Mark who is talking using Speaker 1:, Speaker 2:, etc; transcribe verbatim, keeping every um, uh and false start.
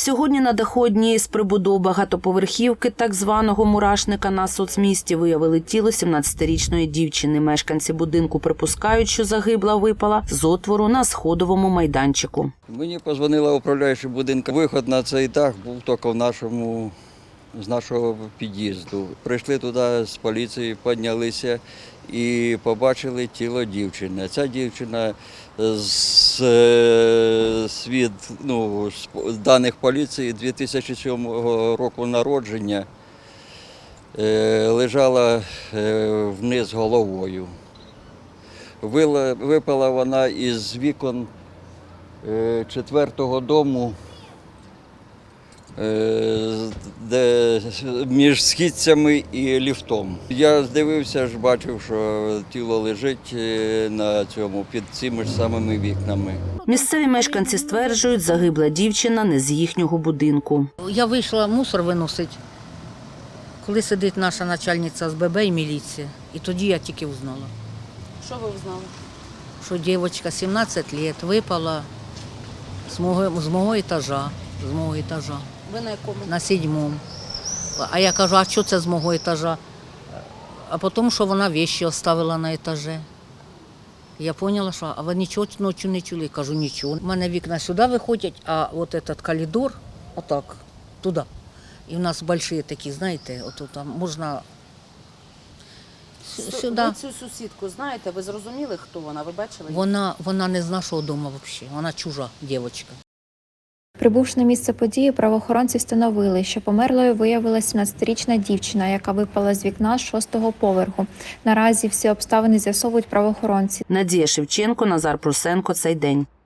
Speaker 1: Сьогодні на даху однієї з прибудов багатоповерхівки так званого мурашника на соцмісті виявили тіло сімнадцятирічної дівчини. Мешканці будинку припускають, що загибла випала з отвору на сходовому майданчику.
Speaker 2: Мені подзвонила управляюча будинку. Виход на цей дах був тільки в нашому, з нашого під'їзду. Прийшли туди з поліції, піднялися і побачили тіло дівчини. Ця дівчина з, з, ну, з даних поліції дві тисячі сьомого року народження лежала вниз головою. Випала вона із вікон четвертого дому, де між східцями і ліфтом. Я здивився, ж бачив, що тіло лежить на цьому, під цими ж самими вікнами.
Speaker 1: Місцеві мешканці стверджують, загибла дівчина не з їхнього будинку.
Speaker 3: Я вийшла мусор виносити, коли сидить наша начальниця з ББ і міліція. І тоді я тільки узнала.
Speaker 4: Що ви узнали?
Speaker 3: Що дівчинка сімнадцять років випала з мого, з мого етажа, з мого етажа.
Speaker 4: Ви на якому?
Speaker 3: На сідьмому. А я кажу, а що це з мого етажа? А потім, що вона речі оставила на етажі. Я зрозуміла, що а ви нічого ночі не чули. Я кажу, нічого. У мене вікна сюди виходять, а от цей коридор, отак, туди. І в нас великі такі, знаєте, от там можна сюди.
Speaker 4: Ви цю сусідку знаєте? Ви зрозуміли, хто вона? Ви бачили?
Speaker 3: Вона, вона не з нашого дому взагалі, вона чужа дівчинка.
Speaker 5: Прибувши на місце події, правоохоронці встановили, що померлою виявилася сімнадцятирічна дівчина, яка випала з вікна з шостого поверху. Наразі всі обставини з'ясовують правоохоронці.
Speaker 1: Надія Шевченко, Назар Прусенко. Цей день.